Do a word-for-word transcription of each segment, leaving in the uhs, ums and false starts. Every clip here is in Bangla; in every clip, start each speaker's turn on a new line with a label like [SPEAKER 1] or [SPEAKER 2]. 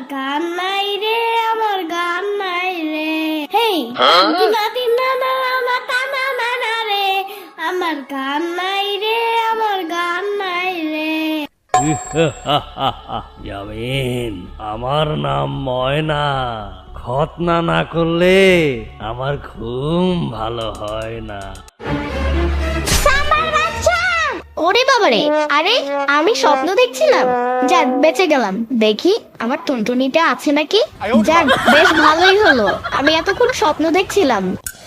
[SPEAKER 1] গান নাই রে, আমার গান নাই রে। হেই দিনা দিনা না না টানা না না রে, আমার গান নাই রে, আমার গান নাই রে।
[SPEAKER 2] ইয়ামিন, আমার নাম ময়না। খতনা না করলে আমার ঘুম ভালো হয় না।
[SPEAKER 1] ওরে বাবারে, আরে আমি স্বপ্ন দেখছিলাম। যাক বেঁচে গেলাম। দেখি আমার টুনটুনিটা আছে নাকি। যাক বেশ ভালোই হলো, আমি এতক্ষণ স্বপ্ন দেখছিলাম।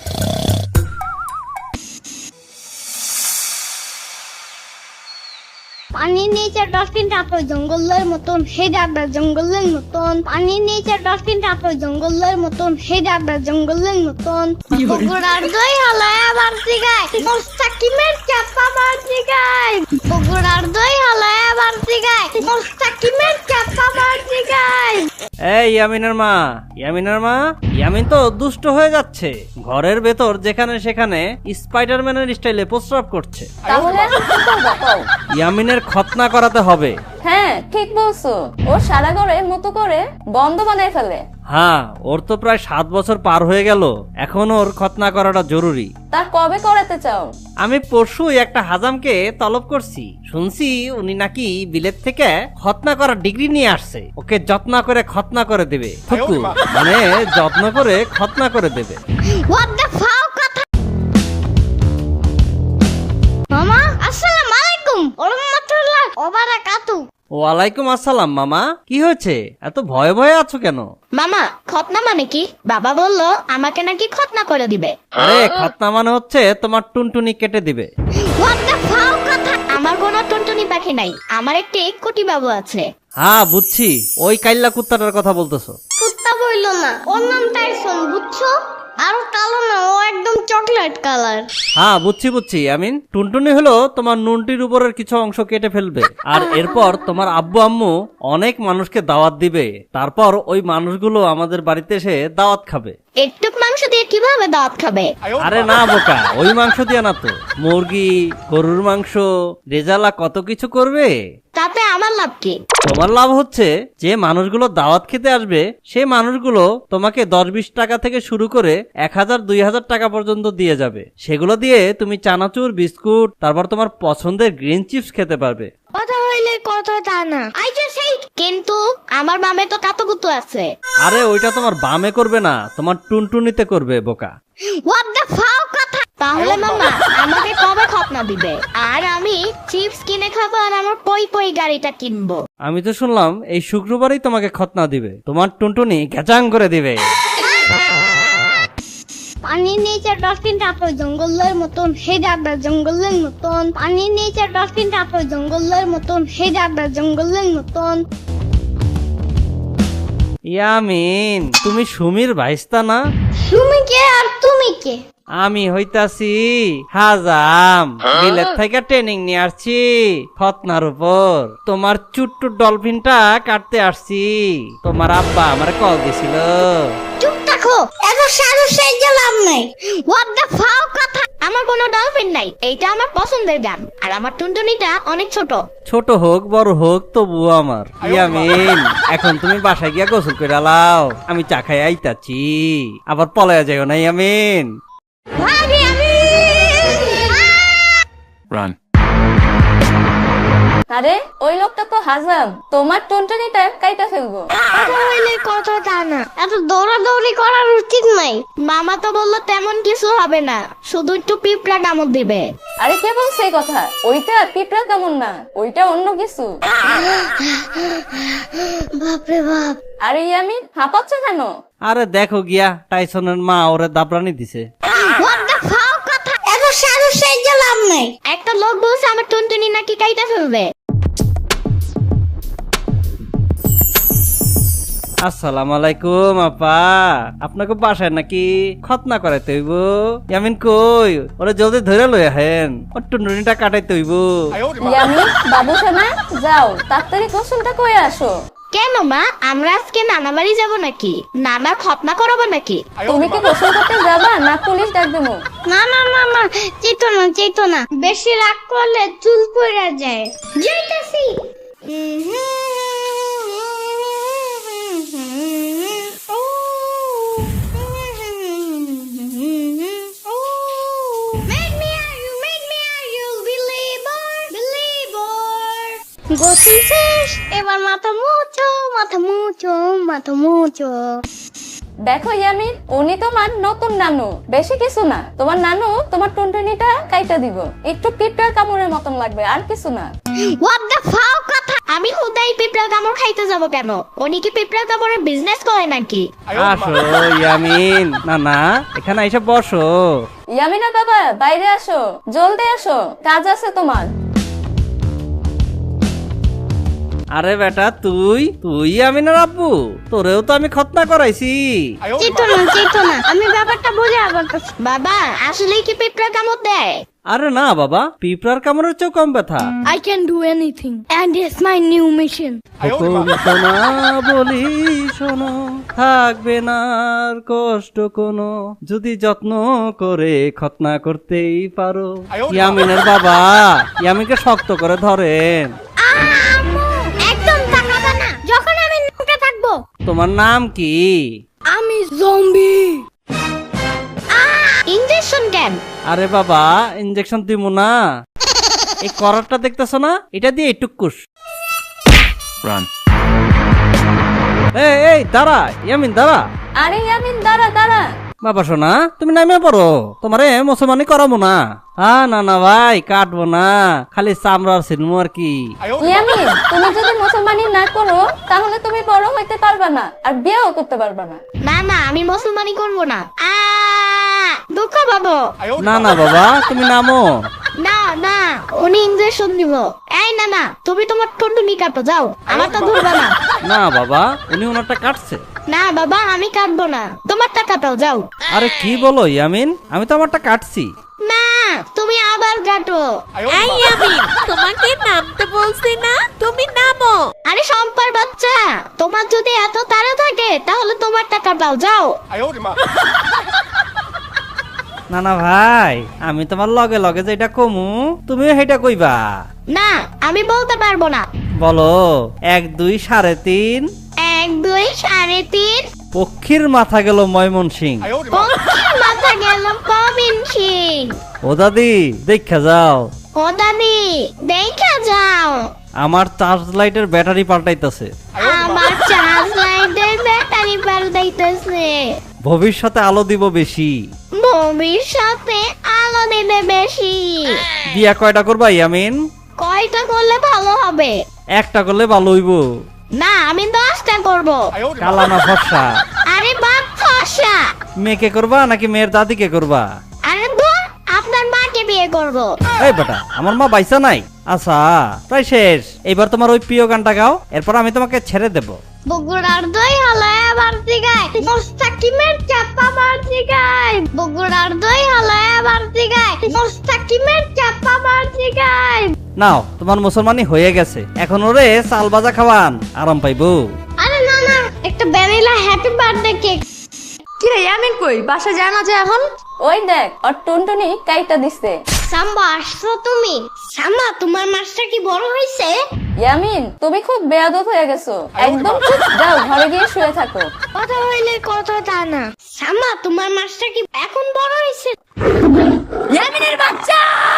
[SPEAKER 1] পানির নিচে ডলফিন টাতো জঙ্গলের মতন, হে যাবে জঙ্গলের মতন। পানির নিচে ডলফিন টাতো জঙ্গলের মতন, হে যাবে জঙ্গলের মতন। বগুড়ার দই হালায় আবার জিগায়, মোস্তাকিমের চাপা মার জিগায়। বগুড়ার দই হালায় আবার জিগায়, মোস্তাকিমের চাপা মার জিগায়।
[SPEAKER 2] এই ইয়ামিনের মা, ইয়ামিনের মা, ইয়ামিন তো দুষ্ট হয়ে যাচ্ছে। ঘরের ভেতর যেখানে সেখানে স্পাইডারম্যানের স্টাইলে প্রস্রাব করছে।
[SPEAKER 3] তাহলে এখন কি করবো কও?
[SPEAKER 2] ইয়ামিনের খতনা করাতে হবে।
[SPEAKER 3] হ্যাঁ ঠিক বলছো, ও সারা ঘরে মতো করে বন্ধ বানায় ফেলে।
[SPEAKER 2] হ্যাঁ, ওর তো প্রায় সাত বছর পার হয়ে গেল, এখন ওর খতনা করাটা জরুরি।
[SPEAKER 3] তার কবে করাতে চাও?
[SPEAKER 2] আমি পরশুই একটা হাজামকে তলব করছি, শুনছি উনি নাকি বিলেত থেকে খতনা করার ডিগ্রি নিয়ে আসছে। ওকে যত্ন করে খতনা করে দেবে। ফুকু মানে যত্ন করে খতনা করে দেবে।
[SPEAKER 1] What the fuck কথা? মামা আসসালামু আলাইকুম ওয়া রাহমাতুল্লাহি ওয়া বারাকাতুহু।
[SPEAKER 2] ওয়ালাইকুম আসসালাম মামা, কি হয়েছে? এত ভয়ে ভয়ে আছো কেন?
[SPEAKER 1] মামা খতনা মানে কি? বাবা বললো আমাকে নাকি খতনা করে দিবে।
[SPEAKER 2] আরে খতনা মানে হচ্ছে তোমার টুনটুনি কেটে দিবে।
[SPEAKER 1] What the fuck কথা? আমার কোনো টুনটুনি পাখি নাই, আমার একটি কোটি বাবু আছে।
[SPEAKER 2] হ্যাঁ বুঝছি, ওই কাইল্লা কুত্তাটার কথা বলতেছো।
[SPEAKER 1] কুত্তা বইলো না, ওর নাম টাইসন, বুঝছো? আর কালো না, ও একদম চকলেট কালার।
[SPEAKER 2] হ্যাঁ বুঝছি বুঝছি আমিন, টুনটুনি হলো তোমার নুনটির উপরের কিছু অংশ কেটে ফেলবে, আর এরপর তোমার আব্বু আম্মু অনেক মানুষকে দাওয়াত দিবে, তারপর ওই মানুষগুলো আমাদের বাড়িতে এসে দাওয়াত খাবে।
[SPEAKER 1] একটু মাংস দিয়ে কিভাবে দাওয়াত খাবে?
[SPEAKER 2] আরে না বোকা, ওই মাংস দিয়ে না তো, মুরগি, গরুর মাংস, রেজালা কত কিছু করবে।
[SPEAKER 1] তাতে আমার লাভ কি?
[SPEAKER 2] তোমার লাভ হচ্ছে যে মানুষগুলো দাওয়াত খেতে আসবে সেই মানুষগুলো তোমাকে দশ বিশ টাকা থেকে শুরু করে এক হাজার দুই হাজার টাকা পর্যন্ত দিয়ে যাবে। সেগুলো দিয়ে তুমি চানাচুর, বিস্কুট, তারপর তোমার পছন্দের গ্রিন চিপস খেতে পারবে।
[SPEAKER 1] কথা হইলে কথা তা না, আই জাস্ট হেট। কিন্তু আমার বামে তো কাতুকুতু আছে।
[SPEAKER 2] আরে ওইটা তোমার বামে করবে না, তোমার টুনটুনিতে করবে বোকা।
[SPEAKER 1] হোয়াট দ্য ফাও কথা? তাহলে মামা আমাকে কবে খতনা দিবে? আর আমি চিপস কিনে খাবো আর আমার পই পই গাড়িটা কিনবো।
[SPEAKER 2] আমি তো শুনলাম এই শুক্রবারই তোমাকে খতনা দিবে, তোমার টুনটুনি গ্যাচাং করে দিবে।
[SPEAKER 1] পানির নিচে ডলফিন টাতো জঙ্গলের মতন, হে যাবে জঙ্গলের মতন। পানির নিচে ডলফিন টাতো জঙ্গলের মতন, হে যাবে জঙ্গলের মতন।
[SPEAKER 2] ইয়ামিন, তুমি সুমির ভাইস্তা না?
[SPEAKER 1] তুমি কে আর তুমি কে?
[SPEAKER 2] আমি হইতাছি হাজাম, বিলেত থেকে ট্রেনিং নিয়ে আসছি খতনার উপর। তোমার চুট্টু ডলফিনটা কাটতে আসছি, তোমার আব্বা আমার কল দিছিল।
[SPEAKER 1] চুপ থাকো, এত সাহস সেই লাভ নাই। হোয়াট দ্য ফাও কথা? আমার কোনো ডলফিন নাই, এইটা আমার পছন্দের গান, আর আমার টুনটুনিটা অনেক ছোট।
[SPEAKER 2] ছোট হোক বড় হোক তবুও আমার। ইয়ামিন, এখন তুমি বাসায় গিয়া গোসল করে লাও, আমি চা খাই আইতাছি। আবার পলায়া যাও না ইয়ামিন।
[SPEAKER 1] ভাবি আমি
[SPEAKER 4] Run.
[SPEAKER 3] আরে ওই লোকটা তো হাজাম, তোমার টুনটুনিটা কাইটা ফেলবো।
[SPEAKER 1] কথা হইলে কথা তা না, এত দৌড়াদৌড়ি করার উচিত নাই। মামা তো বললো তেমন কিছু হবে না, শুধু একটু পিঁপড়া কামড় দিবে।
[SPEAKER 3] আরে কে বলছে এই কথা? ওইটা পিঁপড়া কেমন না, ওইটা অন্য কিছু।
[SPEAKER 1] বাপরে বাপ।
[SPEAKER 3] আরে ইয়ামিন হাঁপাচ্ছ কেন?
[SPEAKER 2] আরে দেখো গিয়া, টাইসনের মা ওরে দাবরানি দিছে।
[SPEAKER 1] হোয়াট দ্য ফাও কথা? এত সাহস সেই লাভ নাই। একটা লোক বলছে আমার টুনটুনি নাকি কাইটা ফেলবে।
[SPEAKER 2] আসসালামু আলাইকুম আপা, আপনাকে বাসায় নাকি খতনা করাইতে হইব? ইয়ামিন কই, ওরে জলদি ধরে লই আহেন, ওর টুনটুনিটা কাটাইতে হইব।
[SPEAKER 3] ইয়ামিন বাবু সোনা যাও তাড়াতাড়ি গোসলটা করে আসো।
[SPEAKER 1] কেন মা, আমরা আজকে নানা বাড়ি যাবো নাকি? নানা খতনা করাবো নাকি?
[SPEAKER 3] তুমি কি গোসল করতে যাবা না পুলিশ ডাক দেবো?
[SPEAKER 1] না না না না, চেতো না চেতো না, বেশি রাগ করলে চুল পড়ে যায়। যাইতাছি। গোসল শেষ, এবার মাথা মুছো, মাথা মুছো, মাথা মুছো।
[SPEAKER 3] দেখো ইয়ামিন, উনি তোমার নতুন নানু, বেশি কিছু না। তোমার নানু তোমার টুনটুনিটা কাইটা দিব, একটু পিঁপড়ার কামড়ের মতন লাগবে, আর কিছু না।
[SPEAKER 1] হোয়াট দ্য ফাও কথা! আমি হুদাই পিঁপড়ার কামড় খাইতে যাব কেন? উনি কি পিঁপড়ার কামড়ের বিজনেস করে নাকি?
[SPEAKER 2] আসো ইয়ামিন, না না এখানে এসে বসো।
[SPEAKER 3] ইয়ামিনা বাবা, বাইরে আসো, জলদি আসো, কাজ আছে তোমার।
[SPEAKER 2] আরে বেটা, তুই তুই আমিনার আব্বু? তোরেও তো আমি খতনা করাইছি।
[SPEAKER 1] চিতো না, চিতো না, আমি ব্যাপারটা বুঝে পারতেছি। বাবা, আসলেই কি পিঁপড়া কামড় দেয়?
[SPEAKER 2] আরে না বাবা, পিঁপড়ার কামড়ের চেয়েও কম ব্যথা।
[SPEAKER 1] I can do anything and it's my new mission.
[SPEAKER 2] হুকুম শোনা বলি শোনো, থাকবে না আর কষ্ট কোনো, যদি যত্ন করে খতনা করতেই পারো। ইয়ামিনের বাবা ইয়ামিনকে শক্ত করে ধরেন।
[SPEAKER 1] আম্মু, একদম তাকাবা না যখন আমি নুকে থাকবো।
[SPEAKER 2] তোমার নাম কি?
[SPEAKER 1] আমি জম্বি। ইনজেকশন কেন?
[SPEAKER 2] আরে বাবা, ইনজেকশন দিমু না, এই করারটা দেখতেছো না, এটা দিয়ে টুকুস। এই এই দাঁড়া ইয়ামিন, দাঁড়া।
[SPEAKER 3] আরে ইয়ামিন, দাঁড়া দাঁড়া।
[SPEAKER 2] বাবা শোনা, তুমি নামে পড়ো, তোমারে মুসলমানি করাবো না। হ্যাঁ না না ভাই, কাটবো না, খালি চামড়ার সিনমু আর কি।
[SPEAKER 3] ইয়ামিন, তুমি যদি মুসলমানি না করো তাহলে তুমি বড় হইতে পারবা না, আর বিয়েও করতে পারবা না।
[SPEAKER 1] না না, আমি মুসলমানি করব না। আ দুঃখ পাবো।
[SPEAKER 2] না না বাবা, তুমি নামো।
[SPEAKER 1] না না, উনি ইনজেকশন দিব। এই না না, তুমি তোমার টুনটুনি কাটো, যাও, আমারটা ধরবা না।
[SPEAKER 2] না বাবা, উনি ওনারটা কাটছে।
[SPEAKER 1] না বাবা, আমি কাটবো না, তোমারটা কাটাও, যাও।
[SPEAKER 2] আরে কি বলো ইয়ামিন, আমি তো আমারটা কাটছি।
[SPEAKER 1] না, তুমি আবার কাটো।
[SPEAKER 4] এই ইয়ামিন, তোমাকে নামতে বলছি না, তুমি নামো।
[SPEAKER 1] আরে সম্পার বাচ্চা, তোমার যদি এত তাড়া থাকে তাহলে তোমারটা কাটাও, যাও।
[SPEAKER 2] না না ভাই, আমি তোমার লগে লগে যেটা কমু তুমিও সেটা কইবা।
[SPEAKER 1] না, আমি বলতে পারবো না।
[SPEAKER 2] বলো, এক দুই সাড়ে তিন।
[SPEAKER 1] এক দুই সাড়ে তিন।
[SPEAKER 2] পক্ষীর মাথা গেল ময়মনসিং।
[SPEAKER 1] পক্ষীর মাথা গেল কবিনসিং।
[SPEAKER 2] ও দাদি, দেখা যাও।
[SPEAKER 1] ও দাদি, দেখা যাও।
[SPEAKER 2] আমার চার্জ লাইটের ব্যাটারি পাল্টাইতেছে।
[SPEAKER 1] আমার চার্জ লাইটের ব্যাটারি পাল্টাইতেছে।
[SPEAKER 2] ভবিষ্যতে আলো দিব বেশি।
[SPEAKER 1] ভবিষ্যতে আলো দিবে বেশি।
[SPEAKER 2] বিয়া কয়টা করবা ইয়ামিন?
[SPEAKER 1] কয়টা করলে ভালো হবে?
[SPEAKER 2] একটা করলে ভালো হইব।
[SPEAKER 1] না, আমি দশটা করব।
[SPEAKER 2] কালা না ফর্সা?
[SPEAKER 1] আরে বাপ ফর্সা।
[SPEAKER 2] মেয়েকে করবা নাকি মেয়ের দাদিকে করবা?
[SPEAKER 1] আরে ধুর, আপনার মাকে বিয়ে করব।
[SPEAKER 2] এই বেটা, আমার মা বাইসা নাই। আচ্ছা, প্রায় শেষ। এবার তোমার ওই প্রিয় গানটা গাও, এরপর আমি তোমাকে ছেড়ে দেব।
[SPEAKER 1] বগুড়ার দই হালায় বাড়তি গায়, মোস্তাকিমের চাপা বাড়তি গায়। বগুড়ার দই হালায় বাড়তি গায়, মোস্তাকিমের চাপা বাড়তি গায়।
[SPEAKER 2] নাও, তোমার মুসলমানি হয়ে গেছে, এখন ওরে চাল ভাজা খাওয়ান, আরাম পাইবো।
[SPEAKER 1] আরে না না, একটা ভ্যানিলা হ্যাপি বার্থডে কেক।
[SPEAKER 4] কি রে ইয়ামিন, কই বাসা যায় না যে এখন?
[SPEAKER 3] ওই দেখ, ওর টুনটুনি কাইটা দিচ্ছে।
[SPEAKER 1] সাম্বা, আসছো তুমি? সাম্বা, তোমার মাছটা কি বড় হয়েছে?
[SPEAKER 3] ইয়ামিন, তুমি খুব বেয়াদব হয়ে গেছো, একদম চুপ, যাও ঘরে গিয়ে শুয়ে থাকো।
[SPEAKER 1] কথা হইলে কথা তা না। সাম্বা, তোমার মাছটা কি এখন বড় হয়েছে?
[SPEAKER 4] ইয়ামিনের বাচ্চা!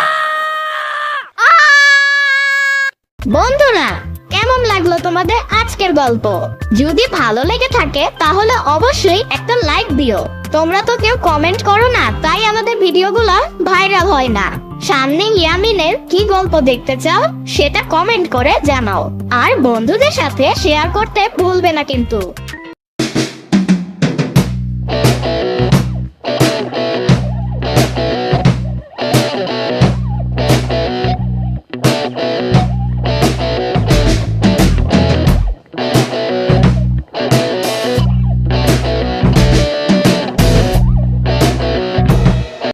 [SPEAKER 1] বন্ধুরা, কেমন লাগলো তোমাদের আজকের গল্প? যদি ভালো লেগে থাকে তাহলে অবশ্যই একটা লাইক দিও। তোমরা তো কেউ কমেন্ট করো না, তাই আমাদের ভিডিওগুলো ভাইরাল হয় না। সামনে ইয়ামিনের কি গল্প দেখতে চাও সেটা কমেন্ট করে জানাও, আর বন্ধুদের সাথে শেয়ার করতে ভুলবে না কিন্তু।